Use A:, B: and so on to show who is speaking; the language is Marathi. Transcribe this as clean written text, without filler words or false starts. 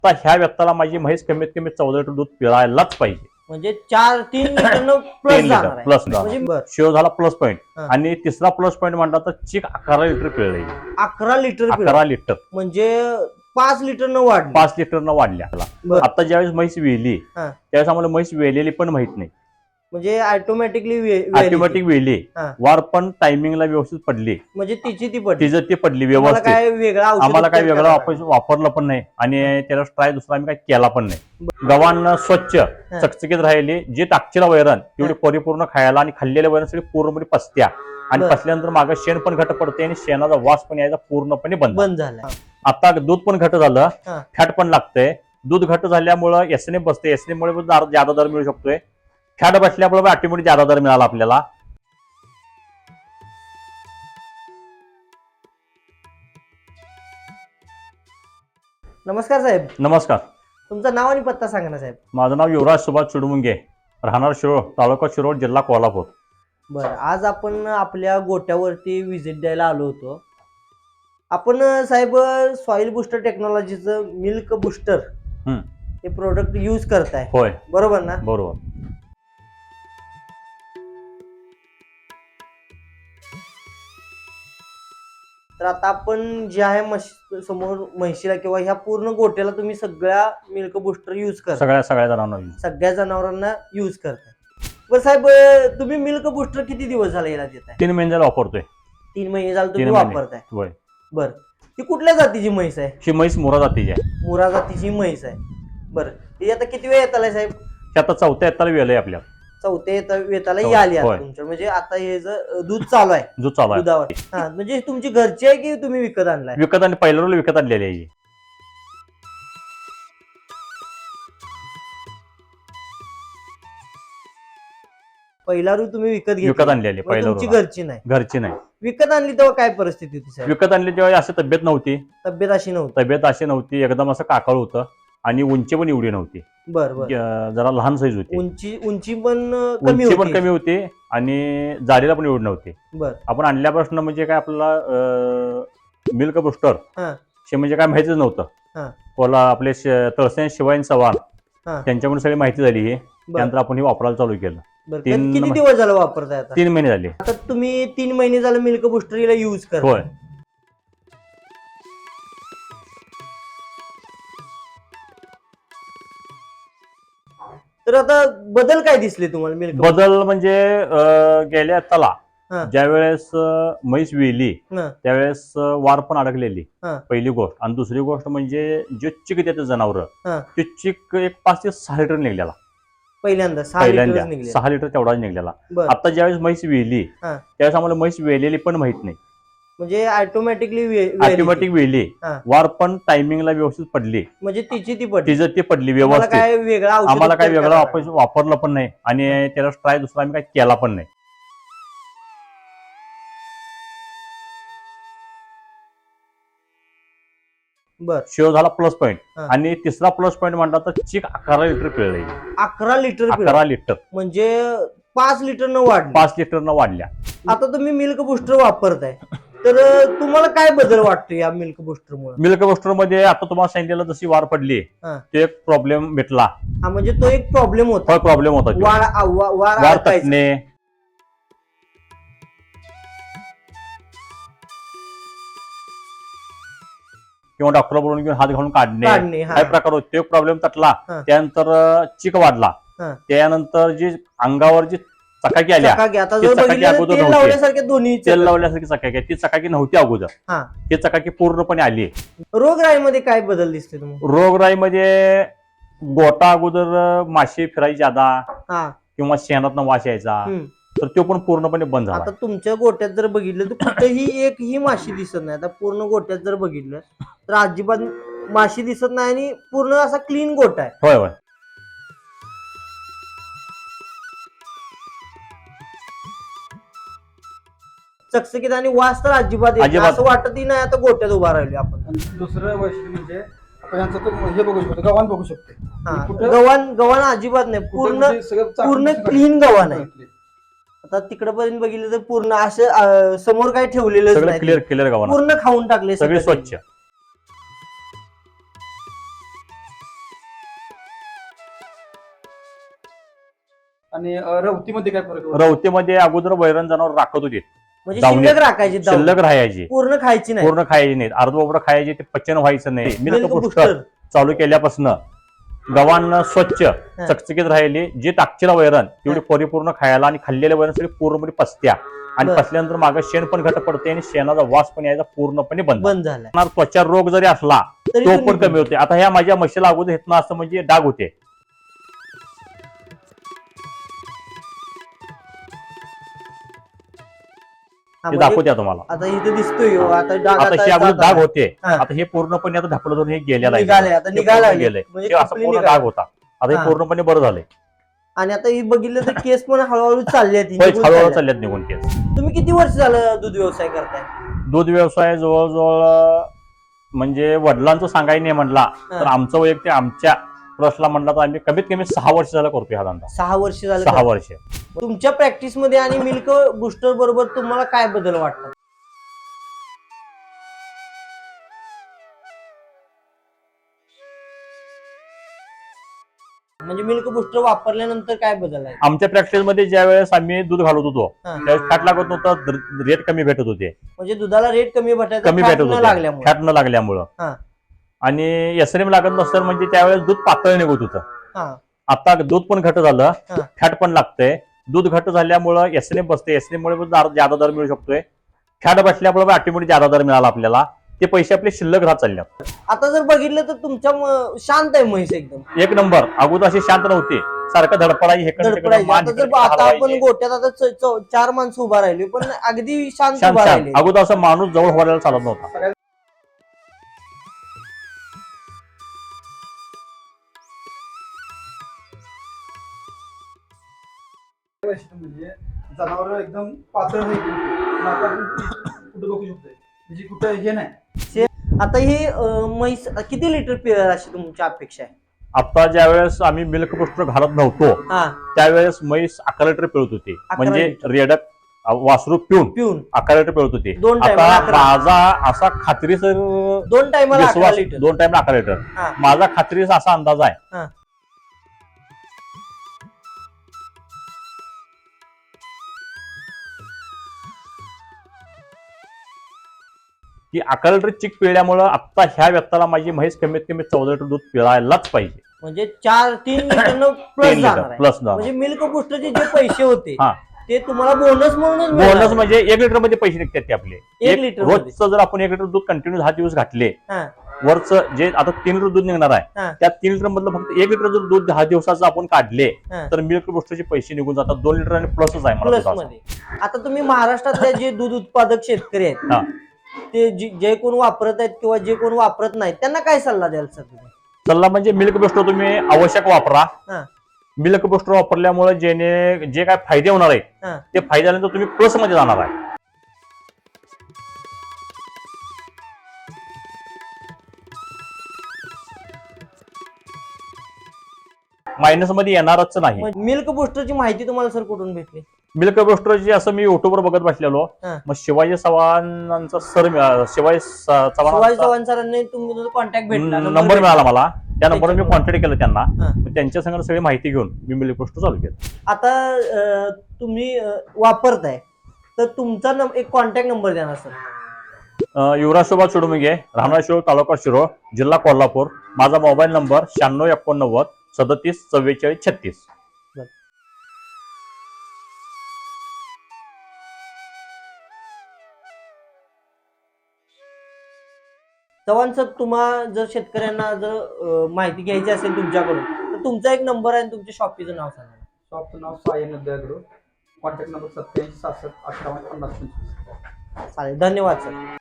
A: तर ह्या व्यक्ताला माझी म्हैस कमीत कमी 14 लिटर दूध पिळायलाच पाहिजे.
B: म्हणजे 3 लिटर प्लस
A: 3 लिटर
B: जाणार
A: प्लस
B: म्हणजे
A: शिव झाला प्लस पॉईंट.
B: हा.
A: आणि तिसरा प्लस पॉईंट म्हणला तर चिक 11 लिटर पिळले.
B: 11 लिटर
A: 11 लिटर
B: म्हणजे 5 लिटर न वाढ
A: 5 लिटर न वाढल्या.
B: बरं.
A: आता ज्यावेळेस म्हैस वेली
B: हा.
A: त्यावेळेस आम्हाला म्हैस वेलेली पण माहित नाही.
B: म्हणजे
A: ऑटोमॅटिक वेली
B: हा.
A: वार पण टायमिंगला व्यवस्थित पडली.
B: म्हणजे तिची ती पडली.
A: तिचं ती पडली
B: तुम्हाला
A: व्यवस्थित.
B: काय वेगळा औषध
A: आम्हाला काही
B: उपचार
A: वेगळं
B: करावा
A: वापरलं पण नाही आणि त्याला ट्राय दुसरा आम्ही काही केला पण नाही. गव्हाण स्वच्छ चकचकीत राहिली. जी टाकचीला वैरण तेवढी परिपूर्ण खायला आणि खाल्लेल्या वैरण सगळी पूर्णपणे पसत्या आणि
B: बरं.
A: पसल्यानंतर मागे शेण पण घट पडते आणि शेणाचा वास पण यायचा पूर्णपणे बंद
B: झाला.
A: आता दूध पण घट झालं.
B: हा.
A: फॅट पण लागतंय. दूध घट झाल्यामुळं एसने बसते. एसने मुळे जादा दर मिळू शकतोय. फॅट बसल्यामुळे ऑटोमॅटिक जादा दर मिळाला आपल्याला.
B: नमस्कार साहेब.
A: नमस्कार.
B: तुमचं नाव आणि पत्ता सांगा ना साहेब.
A: माझं नाव युवराज सुभाष चुडमुंगे, राहणार शिरोळ, तालुका शिरोळ, जिल्हा कोल्हापूर.
B: बरं, आज आपण आपल्या गोट्यावरती व्हिजिट द्यायला आलो होतो. आपण साहेब सॉइल बुस्टर टेक्नॉलॉजीचं मिल्क बुस्टर हे प्रोडक्ट यूज करताय.
A: होय,
B: बरोबर ना?
A: बरोबर.
B: तर आता आपण जे आहे समोर म्हैशीला किंवा ह्या पूर्ण गोट्याला तुम्ही सगळ्या मिल्क बुस्टर यूज करता. सगळ्या जनावरांना यूज करताय. बरं साहेब, तुम्ही मिल्क बुस्टर किती दिवस झाले याला देताय?
A: 3 महिने झाले वापरतोय.
B: 3 महिने झाले तुम्ही
A: 3 महिने.
B: वापरताय.
A: होय.
B: बरं, ही कुठल्या जातीची म्हैस आहे?
A: ही म्हैस मुरा जातीची आहे.
B: मुरा जातीची म्हैस आहे. बरं, ही आता किती वेळ येत आलाय साहेब?
A: हे आता 4थ्या येताला वेळ आहे आपल्या.
B: 4थ्या येताला ही आली आता तुमच्या. म्हणजे आता हे दूध चालू आहे.
A: दूध चालू आहे.
B: दुधावर. हा, म्हणजे तुमची घरची आहे की तुम्ही विकत आणलाय?
A: विकत आणि पहिल्या रोज विकत आणलेली आहे.
B: पहिला रू तुम्ही विकत
A: विकत आणलेली पहिल्या
B: तुमची
A: रोज.
B: घरची नाही?
A: घरची नाही.
B: विकत आणली तेव्हा काय परिस्थिती होती साहेब?
A: विकत आणली तेव्हा अशी तब्येत नव्हती.
B: तब्येत अशी नव्हती.
A: एकदम असं काकाळ होतं आणि उंची पण एवढी नव्हती.
B: बरं.
A: जरा लहान साईज होती.
B: उंची पण
A: कमी होती आणि जाडीला पण एवढी नव्हती.
B: बरं.
A: आपण आणल्यापासून म्हणजे काय आपल्याला मिल्क बुस्टर हे म्हणजे काय माहितीच नव्हतं. आपले तळसेन शिवायन चव्हाण त्यांच्याकडून सगळी माहिती झाली. ही त्यानंतर आपण हे वापरायला चालू केलं.
B: किती दिवस झालं वापरताय आता?
A: 3 महिने झाले.
B: आता तुम्ही 3 महिने झालं मिल्क बुस्टर यूज करताय.
A: होय.
B: तर आता बदल काय दिसले तुम्हाला मिल्क?
A: बदल म्हणजे गेल्या त्याला ज्या वेळेस म्हैस वेली त्यावेळेस वार पण अडकलेली पहिली गोष्ट. आणि दुसरी गोष्ट म्हणजे जे चिक देते जनावर ते चिक एक 5 ते 6 लिटर निघलेला.
B: पहिल्यांदा 6
A: लिटर तेवढाच निघलेला. आता ज्यावेळेस म्हैस वेली त्यावेळेस आम्हाला म्हैस वेलेली पण माहित नाही.
B: म्हणजे ऑटोमॅटिक
A: वेली वार पण टायमिंगला व्यवस्थित पडली.
B: म्हणजे तिची ती
A: पडली व्यवस्थित. आम्हाला काही वेगळं वापरलं पण नाही आणि त्याला ट्राय दुसरा आम्ही काही केला पण नाही. शिव झाला प्लस पॉईंट. आणि तिसरा प्लस पॉईंट म्हणला तर चिक 11 लिटर पिळले.
B: 11 लिटर म्हणजे 5 लिटर न वाढल्या. आता तुम्ही मिल्क बुस्टर वापरताय तर तुम्हाला काय बदल वाटतो या मिल्क बुस्टर मुळे?
A: मिल्क बुस्टर मध्ये आता तुम्हाला सांगितलेलं जशी वार पडली तो एक प्रॉब्लेम भेटला.
B: म्हणजे तो एक प्रॉब्लेम होता.
A: वार तटणे किंवा डॉक्टर बोलून घेऊन हात घालून काढणे हा प्रकार होतो. तो प्रॉब्लेम तटला. त्यानंतर चिक वाढला. त्यानंतर जी अंगावर जी चकाकी आल्या तेल लावल्यासारखी चकाकी ती चकाकी नव्हती अगोदर. ही चकाकी पूर्णपणे आली.
B: रोगराईमध्ये काय बदल दिसते तुम्हाला?
A: रोगराईमध्ये गोटा अगोदर माशी फिरायची ज्यादा किंवा शेणातनं वास यायचा तर तो पण पूर्णपणे बंद झाला.
B: आता तुमच्या गोट्यात जर बघितलं तर कुठेही एकही माशी दिसत नाही. आता पूर्ण गोट्यात जर बघितलं तर अजिबात माशी दिसत नाही आणि पूर्ण असा क्लीन गोटा आहे.
A: होय होय.
B: चकचकीत आणि वास तर अजिबात असं वाटतही नाही आता गोट्यात उभा राहिलो आपण.
C: दुसरं वैशिष्ट्य म्हणजे हे बघू शकतो, गव्हाण बघू शकतो.
B: गव्हाण अजिबात नाही. पूर्ण क्लीन गव्हाण आहे. आता तिकडे पर्यंत बघितलं तर पूर्ण असं समोर काही ठेवलेलं नाही.
A: क्लिअर गव्हाण
B: पूर्ण खाऊन टाकले
A: सगळे स्वच्छ.
C: आणि रवतीमध्ये काय फरक आहे?
A: रवतीमध्ये अगोदर वैरण जनावर राखत होते,
B: म्हणजे
A: दावणी.
B: शिल्लक राखायची दावणी.
A: शिल्लक राहायची,
B: पूर्ण खायची नाही.
A: पूर्ण खायची नाहीत, अर्धवट खायची, ते पचन व्हायचं नाही. Milk
B: Milk
A: booster
B: booster.
A: चालू केल्यापासून गव्हांना स्वच्छ चकचकीत राहिली, जी टाकचीला वैरण तेवढी परिपूर्ण खायला, आणि खाल्लेल्या वैरण सगळी पूर्णपणे पसत्या, आणि
B: बरं.
A: पसल्यानंतर मागे शेण पण घट पडते, आणि शेणाचा वास पण यायचा पूर्णपणे
B: बंद झालाय.
A: त्वचा रोग जरी असला
B: तरी
A: तो
B: तुम्ही
A: पण कमी होते. आता ह्या माझ्या म्हशीला अगोदर हेतनं असं म्हणजे डाग होते,
B: हा,
A: ते
B: म्हणजे
A: दाखवते तुम्हाला.
B: आता इथे दिसतोय हो, आता डाग
A: आता हे
B: आता
A: अगोदर डाग होते,
B: हा.
A: आता हे पूर्णपणे आता ढापलं जाऊन हे गेलेलं
B: निघाले, आता
A: हे
B: निघायला
A: पूर्ण
B: लागले.
A: गेलंय.
B: म्हणजे
A: हे असं
B: completely
A: पूर्ण
B: निघाले.
A: डाग होता, आता
B: हा.
A: हे पूर्णपणे बरं झालंय.
B: आणि आता ही बघितलं तर केस पण हळूहळू चालले आहेत,
A: होय,
B: निघून
A: हळूहळू
B: चालले आहेत.
A: चालल्यात निघून केस.
B: तुम्ही किती वर्ष झालं दूध व्यवसाय करताय?
A: दूध व्यवसाय जवळजवळ म्हणजे वडिलांचं सांगायला नाही म्हटला तर आमचं वैयक्तिक आमच्या प्रश्नला म्हटलं तर आम्ही कमीत कमी 6 वर्ष झाला करतोय हा धंदा.
B: 6 वर्ष झालं
A: 6
B: करताय.
A: वर्ष.
B: तुमच्या प्रॅक्टिस मध्ये आणि मिल्क बुस्टर बरोबर तुम्हाला काय बदल वाटतात? म्हणजे मिल्क बुस्टर वापरल्यानंतर काय बदल आहे?
A: आमच्या प्रॅक्टिस मध्ये ज्या वेळेस आम्ही दूध घालत होतो
B: हा.
A: त्यावेळेस फॅट लागत नव्हतं, रेट कमी भेटत होते,
B: म्हणजे दुधाला रेट कमी भेटायचा,
A: कमी
B: fat
A: भेटत
B: न
A: होते
B: लागल्यामुळे.
A: फॅट न लागल्यामुळं.
B: हा.
A: आणि एसएनएम लागत नसतं म्हणजे त्यावेळेस दूध पातळ निघत होतं.
B: हा.
A: आता दूध पण घट झालं,
B: हा.
A: फॅट पण लागतंय. दूध घट झाल्यामुळं एसएनएम बसते, एसएनएम मुळे जादा दर मिळू शकतोय. फॅट बसल्यामुळे ऑटोमॅटिक जादा दर मिळाला आपल्याला, ते पैसे आपले शिल्लक राहत चालले.
B: आता जर बघितलं तर तुमच्या शांत आहे म्हैस एकदम
A: एक नंबर. अगोदर अशी शांत नव्हती, सारखं धडपडायची,
B: धडपडायची. आता जर आता आपण गोट्यात आता 4 माणसं उभा राहिली पण अगदी शांत
A: शांत
B: उभा
A: शांत.
B: राहिली.
A: अगोदर असं माणूस जवळ व्हायला चालत नव्हता.
C: म्हणजे जनावर एकदम पातळ आहे, कुठं बघू शकतोय, म्हणजे कुठं हे नाही.
B: आता ही म्हैस किती लिटर पिळेल अशी तुमची अपेक्षा आहे?
A: आता ज्या वेळेस आम्ही मिल्क बुस्टर घालत नव्हतो त्यावेळेस म्हैस 11 लिटर पिळत होती,
B: 11
A: म्हणजे
B: लिटर.
A: रेडक वासरू पिऊन 11 लिटर पिळत होती.
B: 2
A: आता
B: टायमाला 11.
A: माझा असा खात्रीसर
B: 2 टायमाला 11
A: विश्वास,
B: लिटर.
A: 2 टाइम 11 लिटर
B: हा.
A: माझा खात्रीचा असा अंदाज आहे.
B: हा.
A: की 11 लिटर चिक पिळल्यामुळं आता ह्या व्यक्ताला माझी म्हैस कमीत कमी 14 लिटर दूध पिळायलाच पाहिजे.
B: म्हणजे 3 लिटर प्लस
A: 3
B: जाणार
A: लिटर
B: आहे.
A: प्लस
B: म्हणजे मिल्क बुस्टरचे जे पैसे होते
A: हा.
B: ते तुम्हाला बोनस म्हणूनच
A: बोनस
B: मिळणार.
A: म्हणजे 1 लिटर मध्ये पैसे निघतात ते आपले.
B: 1 लिटर मध्ये.
A: रोजचं जर आपण 1 लिटर दूध कंटिन्यू 10 दिवस घातले,
B: हा.
A: वरचं जे आता 3 लिटर दूध निघणार आहे
B: हा.
A: त्या 3 लिटर मधलं फक्त 1 लिटर जर दूध 10 दिवसाचं आपण काढले
B: हा.
A: तर मिल्क बुस्टरचे पैसे निघून जातात. 2 लिटर आणि प्लसच आहे मला
B: प्लस
A: दुधाचं.
B: मध्ये. आता तुम्ही महाराष्ट्रातले जे दूध उत्पादक शेतकरी आहेत
A: हा.
B: ते जे कोण वापरत आहेत किंवा जे कोण वापरत नाहीत त्यांना काय सल्ला द्याल सर तुम्ही?
A: सल्ला म्हणजे मिल्क बुस्टर तुम्ही आवश्यक वापरा.
B: हा.
A: मिल्क बुस्टर वापरल्यामुळे जे काय फायदे होणार आहेत
B: हा.
A: ते फायदे झाल्यानंतर तुम्ही प्लस मध्ये जाणार आहे. मायनस मध्ये येणारच नाही.
B: मिल्क बुस्टरची माहिती तुम्हाला सर कुठून भेटली?
A: मिल्क बुस्टरची असं मी युट्यूबवर बघत बसलेलो,
B: हा.
A: मग शिवाजी चव्हाणांचा
B: शिवाजी
A: चव्हाण
B: चव्हाण सरांनी तुमचा कॉन्टॅक्ट भेटला,
A: नंबर मिळाला मला. त्या नंबरवर मी
B: त्याच्यामुळे.
A: कॉन्टॅक्ट केलं त्यांना.
B: हा.
A: मग त्यांच्या संग सगळी माहिती घेऊन मी मिल्क बुस्टर चालू केलं.
B: आता तुम्ही वापरताय तर तुमचा एक कॉन्टॅक्ट नंबर द्या ना सर.
A: युवराज शोभा चुडमुगे, राहणार शिरोळ, तालुका शिरोळ, जिल्हा कोल्हापूर. माझा मोबाईल नंबर 9689 37 44 36.
B: चव्हाण सर, तुम्हाला जर शेतकऱ्यांना जर माहिती घ्यायची असेल तुमच्याकडून तर तुमचा एक नंबर आहे आणि तुमच्या शॉपीचं नाव सांगा.
C: शॉपचं नाव साई नद्यागृह, कॉन्टॅक्ट नंबर 87 66 58 50 25.
B: चालेल, धन्यवाद सर.